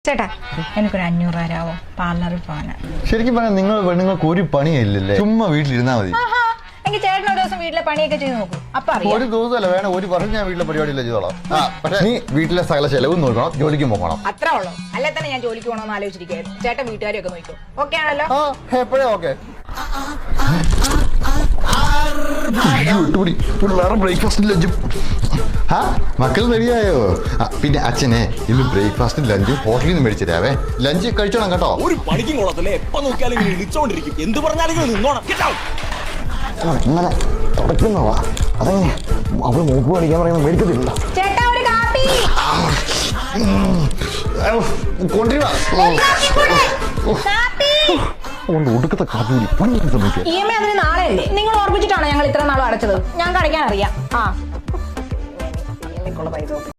ചേട്ടാ എനിക്കൊരു 500 തരാവോ? പാർലറിൽ പോകാനാ. ശരിക്കും പറഞ്ഞാൽ നിങ്ങൾക്ക് ഒരു പണിയില്ലല്ലേ, ചുമ്മാ വീട്ടിലിരുന്നാ മതി. എനിക്ക് ചേട്ടൻ ഒരു ദിവസം വീട്ടിലെ പണിയൊക്കെ ചെയ്ത് നോക്കൂ, അപ്പൊ അറിയാം. ഒരു ദിവസമല്ല, വേണം ഒരു വർഷം ഞാൻ വീട്ടിലെ പരിപാടിയില്ല ചെയ്തോളാം. പക്ഷെ നീ വീട്ടിലെ സകല ചെലവും നോക്കണം, ജോലിക്ക് പോകണം. അത്രേ ഉള്ളൂ. അല്ലെ തന്നെ ഞാൻ ജോലിക്ക് പോകണമെന്ന് ആലോചിച്ചിരിക്കുകയായിരുന്നു. ചേട്ടൻ വീട്ടുകാരെയൊക്കെ നോക്കും. ഓക്കെ ആണല്ലോ? എപ്പോഴേ ഓക്കെ. ബ്രേക്ക്ഫാസ്റ്റും ലഞ്ചും മക്കൾ റെഡിയായോ? പിന്നെ അച്ഛനെ ഇന്ന് ബ്രേക്ക്ഫാസ്റ്റും ലഞ്ചും ഹോട്ടലിൽ നിന്ന് മേടിച്ചു തരാവേ. ലഞ്ച് കഴിച്ചോണം കേട്ടോ. ഒരു പണിക്കും കൊള്ളത്തില്ലേ, എപ്പോ നോക്കിയാലും ഇടിച്ചോണ്ടിരിക്കും. എന്ത് പറഞ്ഞാലും നിന്നോണം. ഇങ്ങനെ തുടക്കുന്നവാ, അതെങ്ങനെ അവൾ മൂപ്പ് പഠിക്കാൻ പറയുമ്പോൾ മേടിക്കത്തില്ല. ചേട്ടാ ഒരു കാപ്പി കൊണ്ടുവരാ ഒടുക്കത്തെ കാപ്പി ശ്രമിക്കുക. EMI അതിന് നാളെയല്ലേ? നിങ്ങൾ ഓർമ്മിച്ചിട്ടാണോ ഞങ്ങൾ ഇത്ര നാളും അടച്ചത്? ഞാൻ കഴിക്കാൻ അറിയാം.